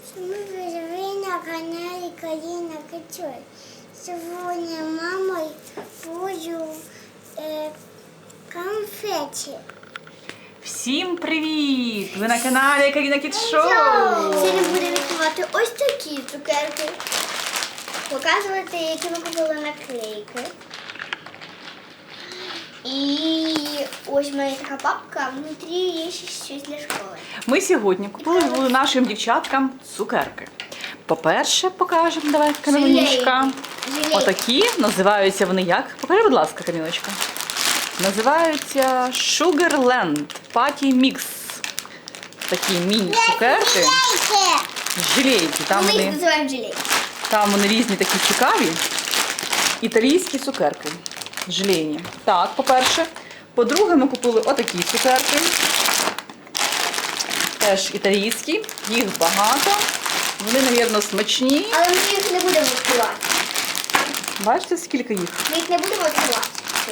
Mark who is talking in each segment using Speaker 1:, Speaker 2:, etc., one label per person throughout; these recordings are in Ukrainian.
Speaker 1: Вы на канале Карина Кочой. Сегодня мамой буду конфети.
Speaker 2: Всім привіт! Ви на каналі Каріна Кіт Шоу.
Speaker 1: Сьогодні будемо відкривати ось такі цукерки. Показувати, які ми купили наклейки. І ось в мене така папка, внутрі є ще щось для школи.
Speaker 2: Ми сьогодні купили нашим дівчаткам цукерки. По-перше, покажемо, давай, Камілунічка.
Speaker 1: Жилейки.
Speaker 2: Отакі, називаються вони як? Покажи, будь ласка, Камілочка. Називаються Sugarland Patty Mix. Такі міні-цукерки. Жилейки.
Speaker 1: Ми їх називаємо жилейки.
Speaker 2: Там вони різні такі цікаві. Італійські цукерки. Желейні. Так, по-перше. По-друге, ми купили отакі цукерки. Теж італійські. Їх багато. Вони, мабуть, смачні.
Speaker 1: Але ми їх не будемо відкривати.
Speaker 2: Бачите, скільки їх?
Speaker 1: Ми їх не будемо відкривати.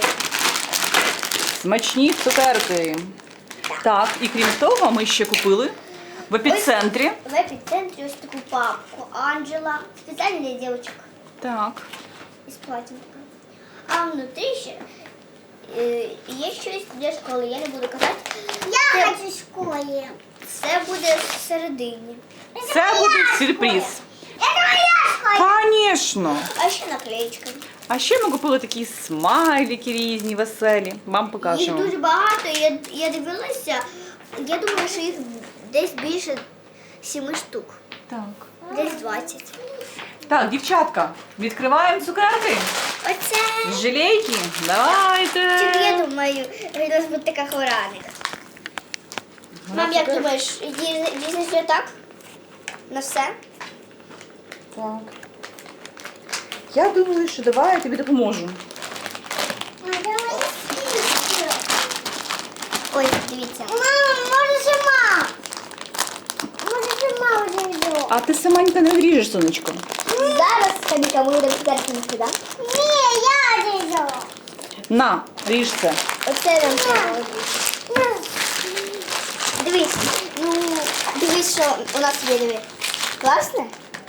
Speaker 2: Смачні цукерки. Так, і крім того, ми ще купили в епіцентрі.
Speaker 1: В епіцентрі ось таку папку Анджела. Спеціально для дівчинок.
Speaker 2: Так.
Speaker 1: Із платінка. А внутрі ще є щось для школи. Я не буду казати. Я хочу в школі. Це буде всередині.
Speaker 2: Це буде сюрприз.
Speaker 1: Це моя школа.
Speaker 2: Звісно.
Speaker 1: А ще наклеєчка.
Speaker 2: А ще ми купили такі смайлики різні, веселі. Вам
Speaker 1: Їх
Speaker 2: покажемо.
Speaker 1: дуже багато. Я дивилася. Я думаю, що їх десь більше 7 штук.
Speaker 2: Так.
Speaker 1: Десь 20.
Speaker 2: Так, дівчатка, відкриваємо цукерки.
Speaker 1: Оце.
Speaker 2: Желейки. Давайте.
Speaker 1: Я думаю, у нас буде така хораник. Мам, як думаєш, дійсно так? На все?
Speaker 2: Так. Я думаю, що давай я тобі допоможу.
Speaker 1: Ой, дивіться. Мама, може сама. Може сама вже йду.
Speaker 2: А ти саменька не вріжеш, сонечко.
Speaker 1: Зараз Каміка ми будемо цукерки нести, так? Ні, я йду.
Speaker 2: На, ріж це.
Speaker 1: Оце нам треба. Дивись, дивись, що у нас є, диви. Класно?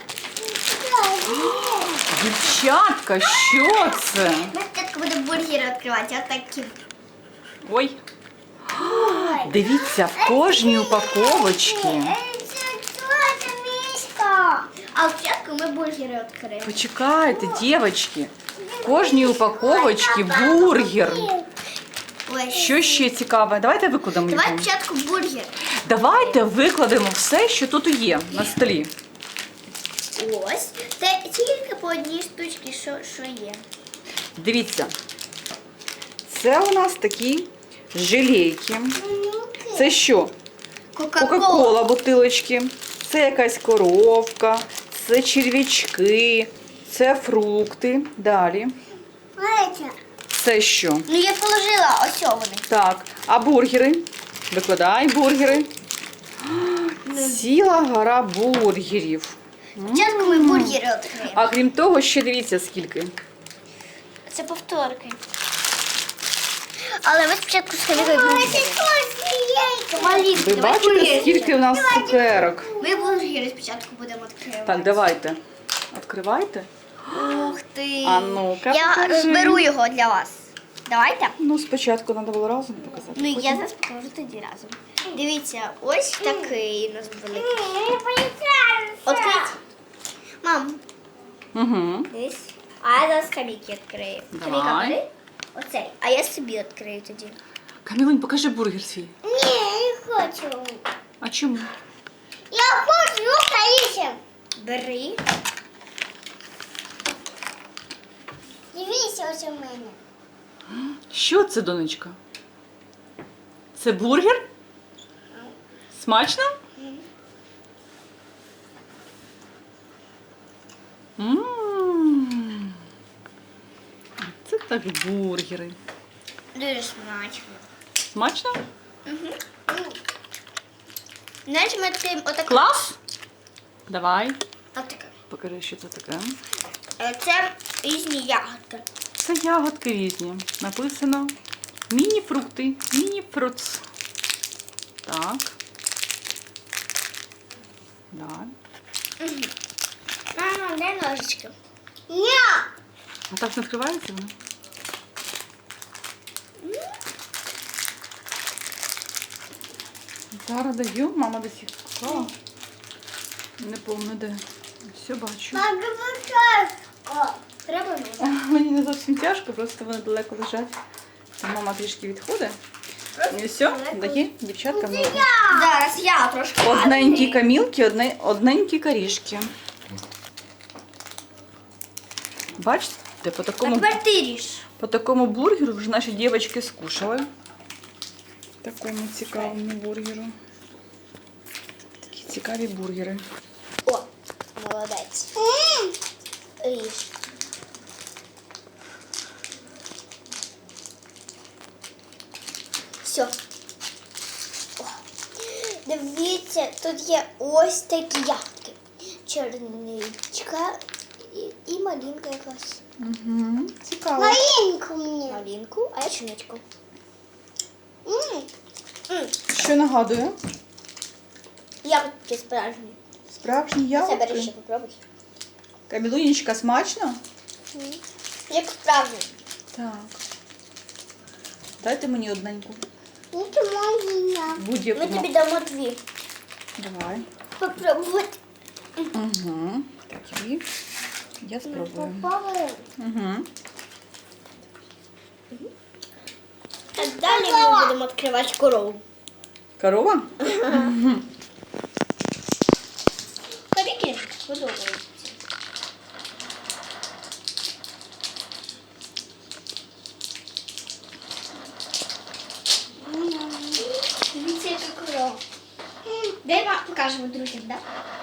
Speaker 2: Дівчатка, що це?
Speaker 1: Ми спочатку будемо бургери відкривати, отакі.
Speaker 2: Ой. Дивіться, в кожній упаковочці.
Speaker 1: Це мішка. А спочатку ми бургери відкриємо.
Speaker 2: Почекайте, дівчатки. В кожній упаковочці бургер.
Speaker 1: Ой,
Speaker 2: Що ще цікаве? Давайте викладемо
Speaker 1: давай
Speaker 2: його.
Speaker 1: спочатку бургер.
Speaker 2: Давайте викладемо все, що тут є на столі.
Speaker 1: Ось. Це тільки по одній штучці, що є.
Speaker 2: Дивіться. Це у нас такі желейки. Це що? Кока-кола бутилочки. Це якась коровка, це черв'ячки, це фрукти. Далі. Це що?
Speaker 1: Ну я положила ось вони.
Speaker 2: Так, а бургери? Викладай бургери. Ціла гора бургерів.
Speaker 1: Спочатку ми бургери відкриємо.
Speaker 2: А крім того, ще дивіться скільки.
Speaker 1: Це повторки. Але ви спочатку сходили бургери.
Speaker 2: Ви бачите, скільки у нас цукерок?
Speaker 1: Ми бургери спочатку будемо відкривати.
Speaker 2: Так, давайте. Відкривайте.
Speaker 1: Ух ти.
Speaker 2: А ну-ка,
Speaker 1: Я
Speaker 2: покажи.
Speaker 1: розберу його для вас. Давайте.
Speaker 2: Ну, спочатку треба було разом показати.
Speaker 1: Ну, я зараз покажу тоді разом. Дивіться, ось такий у нас великий. Відкрить. Мам,
Speaker 2: Угу.
Speaker 1: дивись. А я зараз Каміки відкрию.
Speaker 2: Давай.
Speaker 1: Каміка, бери. Оцей. А я собі відкрию тоді.
Speaker 2: Камілунь, покажи бургер свій.
Speaker 1: Ні, я не хочу.
Speaker 2: А чому?
Speaker 1: Я хочу українцем. Бери. Дивіться ось у мене.
Speaker 2: Що це, донечка? Це бургер? Смачно? Ммм. Це так бургери.
Speaker 1: Дуже смачно.
Speaker 2: Смачно?
Speaker 1: Знаєш, ми тим отак.
Speaker 2: Клас? Давай,
Speaker 1: Отак.
Speaker 2: покажи, що це таке.
Speaker 1: Це різні ягодки.
Speaker 2: Це ягодки різні. Написано міні-фрукти, міні-фрутс. Так. Далі.
Speaker 1: Мама, дай ножички. Ні.
Speaker 2: А так не відкривається воно? Зараз даю, мама десь їх поклала. Не помню де. Все бачу.
Speaker 1: Треба ножик.
Speaker 2: Мені не зовсім тяжко, просто вони далеко лежать. Там мама трішки відходить. І все, дає дівчаткам.
Speaker 1: Зараз я трошки.
Speaker 2: Одненькі камілки, одненькі корішки. Бачите,
Speaker 1: А тепер ти ріж.
Speaker 2: по такому бургеру вже наші дівчатки скушали. Такому цікавому бургеру. Такі цікаві бургери.
Speaker 1: О, молодець. Ріж. Все. О. Дивіться, тут є ось такі ягодки. Черничка і малинка якась.
Speaker 2: Угу. Цікаво.
Speaker 1: Малинку мені. Малинку, а я черничку.
Speaker 2: Що нагадує?
Speaker 1: Ягодки справжні.
Speaker 2: Справжні
Speaker 1: Це бери ще
Speaker 2: ягодки.
Speaker 1: попробуй.
Speaker 2: Камілунечка, смачно?
Speaker 1: Як справжні.
Speaker 2: Так. Дайте мені одненьку.
Speaker 1: Ну, це можна.
Speaker 2: Будь-яку.
Speaker 1: Ми тобі дамо дві.
Speaker 2: Давай.
Speaker 1: Попробувати.
Speaker 2: Угу. Так, і я спробую.
Speaker 1: Попробуємо.
Speaker 2: Угу.
Speaker 1: А далі ми будемо відкривати корову.
Speaker 2: Корова?
Speaker 1: Коріки подобаються. Дивіться, яка корова. Дай вам покажемо друзям, так?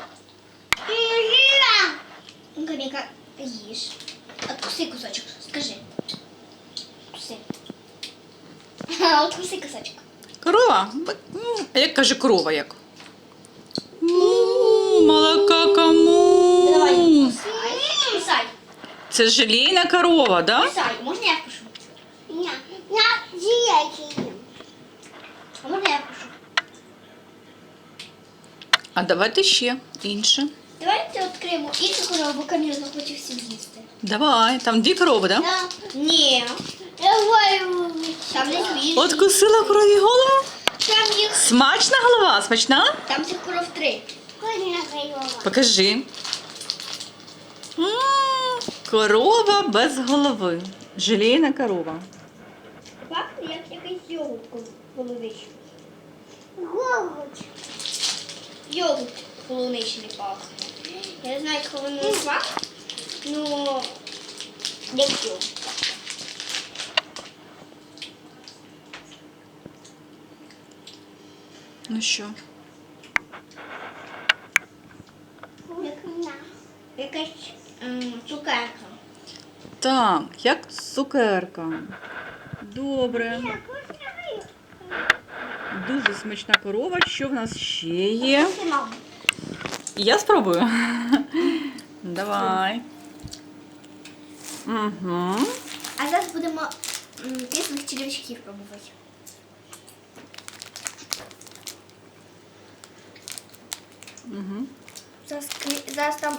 Speaker 1: Ну, Каміка, їж. Откуси кусочок, скажи. Откуси. Откуси кусочок.
Speaker 2: Корова? А як каже корова як? Молока
Speaker 1: Давай,
Speaker 2: кому?
Speaker 1: кусай. Кусай.
Speaker 2: Це желейна корова, да?
Speaker 1: Кусай. Можна я вкушу? Ні. На діяті. А можна я вкушу?
Speaker 2: А давайте ще інше.
Speaker 1: Давайте відкриємо іншу корову, бо Каміла захоче всі з'їсти.
Speaker 2: Давай, там дві корови, да?
Speaker 1: Ні. Давай. Там не дві.
Speaker 2: Откусила корові голову?
Speaker 1: Там їх.
Speaker 2: Смачна голова? Смачна?
Speaker 1: Там цих коров 3.
Speaker 2: Покажи. Корова без голови. Желейна корова.
Speaker 1: Пахне як якийсь йогурт полуничний. Йогурт. Йогурт полуничний пахне. Я не знаю, як воно назвати, но як йогурт.
Speaker 2: Ну що?
Speaker 1: Якась цукерка.
Speaker 2: Так, як цукерка. Добре. Дуже смачна корова. Що в нас ще є? Я спробую. Давай. Угу.
Speaker 1: А зараз будемо кислих червячків пробувати.
Speaker 2: Угу.
Speaker 1: Зараз там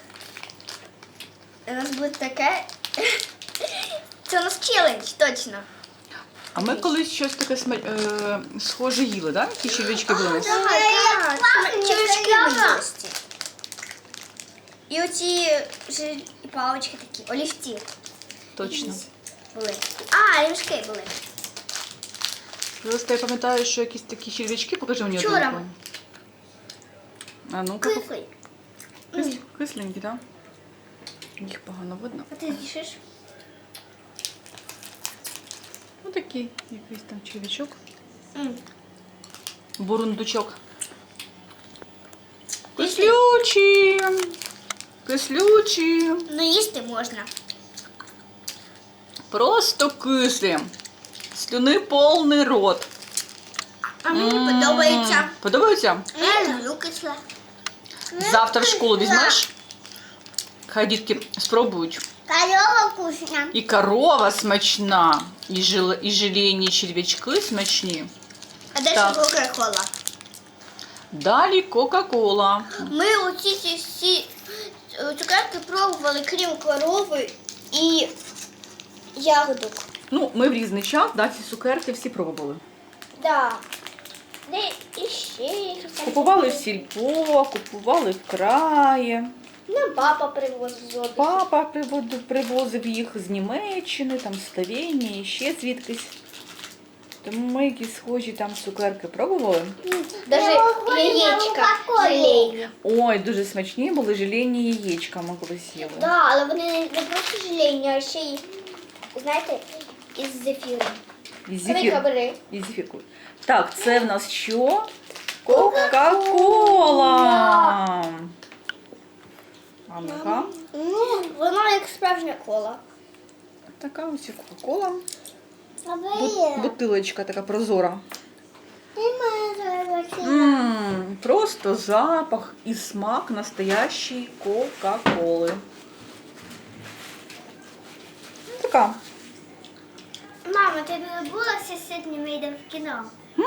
Speaker 1: у нас буде таке. Це у нас челендж, точно.
Speaker 2: А ми колись щось таке схоже їли, так? Да? Ті червячки були.
Speaker 1: Червячки ми їсти. І оці палички такі, олівці.
Speaker 2: Точно.
Speaker 1: Були. А, олівчики були.
Speaker 2: Просто я пам'ятаю, що якісь такі червячки, покажи мені
Speaker 1: Вчора.
Speaker 2: одну. А ну-ка.
Speaker 1: Кислий.
Speaker 2: Кисленькі, так? Да? Їх погано видно.
Speaker 1: А ти з'їшиш?
Speaker 2: Ось такий якийсь там червячок. Бурундучок. Кислючі. Кислючі.
Speaker 1: Ну, їсти можна.
Speaker 2: Просто кислі. Слюни повний рот.
Speaker 1: А мені подобається.
Speaker 2: Подобається?
Speaker 1: Я люблю кисле.
Speaker 2: Завтра в школу візьмеш? Хай дітки спробують.
Speaker 1: Корова вкусна.
Speaker 2: І корова смачна, і желейні червячки смачні.
Speaker 1: А де
Speaker 2: Так.
Speaker 1: ще кока-кола?
Speaker 2: Далі Кока-Кола.
Speaker 1: Ми оці всі цукерки пробували, крім корови і ягодок.
Speaker 2: Ну, ми в різний час, да, ці цукерки всі пробували.
Speaker 1: Да. Де іще якісь там
Speaker 2: Купували в
Speaker 1: цукерки.
Speaker 2: сільпо, купували в краї.
Speaker 1: Нам папа привозив.
Speaker 2: Папа привозив їх з Німеччини, там з Словенії, і ще звідкись. Тому ми якісь схожі там цукерки пробували.
Speaker 1: Даже яєчка желейні.
Speaker 2: Ой, дуже смачні були желейні яєчка, ми колись їли.
Speaker 1: Да, але вони не просто желейні, а ще й, знаєте, із зефіром.
Speaker 2: Із
Speaker 1: Давай бери.
Speaker 2: Із зефіркою. Так, це в нас що? Кока-кола! А ну-ка.
Speaker 1: Вона як справжня кола.
Speaker 2: Така ось і Кока-кола. Бутилочка така прозора. Просто запах і смак настоящей Кока-коли. Така.
Speaker 1: Мама, ти не забулася, сьогодні ми йдемо в кіно?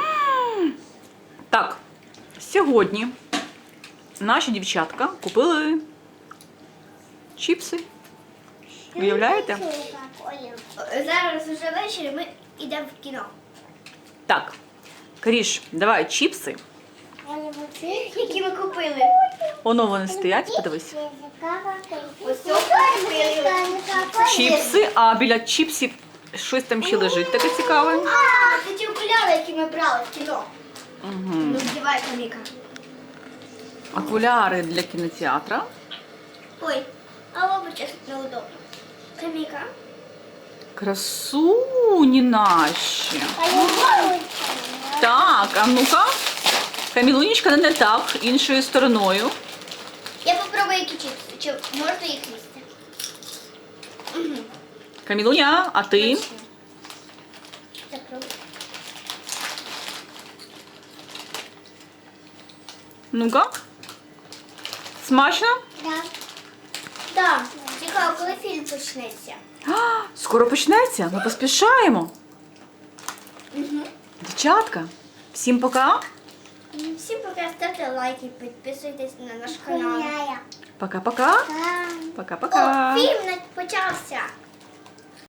Speaker 2: Так, сьогодні наші дівчатка купили чіпси. Уявляєте?
Speaker 1: Зараз вже ввечері ми йдемо в кіно.
Speaker 2: Так, Каріш, давай чіпси.
Speaker 1: Які ми купили?
Speaker 2: Воно вони стоять, подивись.
Speaker 1: Ось купили.
Speaker 2: Чіпси, а біля чіпсів щось там ще лежить таке цікаве.
Speaker 1: А, це ті окуляри, які ми брали в кіно.
Speaker 2: Угу.
Speaker 1: Ну, вдівай, Каміка.
Speaker 2: Окуляри для кінотеатра.
Speaker 1: Ой, а вибачте, неудобно. Каміка.
Speaker 2: Красуні наші. Так, а ну-ка. Камілунечка не так, іншою стороною.
Speaker 1: Я попробую, які чіпси. Чи можна їх їсти?
Speaker 2: Камілуня, а ти?
Speaker 1: Попробуй.
Speaker 2: Ну-ка. Смачно?
Speaker 1: Так. Так. Цікаво, коли фільм почнеться.
Speaker 2: А, скоро почнеться, ми поспішаємо. Дівчатка, всім пока.
Speaker 1: Всім пока, ставте лайки, підписуйтесь на наш канал.
Speaker 2: Пока-пока.
Speaker 1: О,
Speaker 2: Пока-пока.
Speaker 1: фільм почався.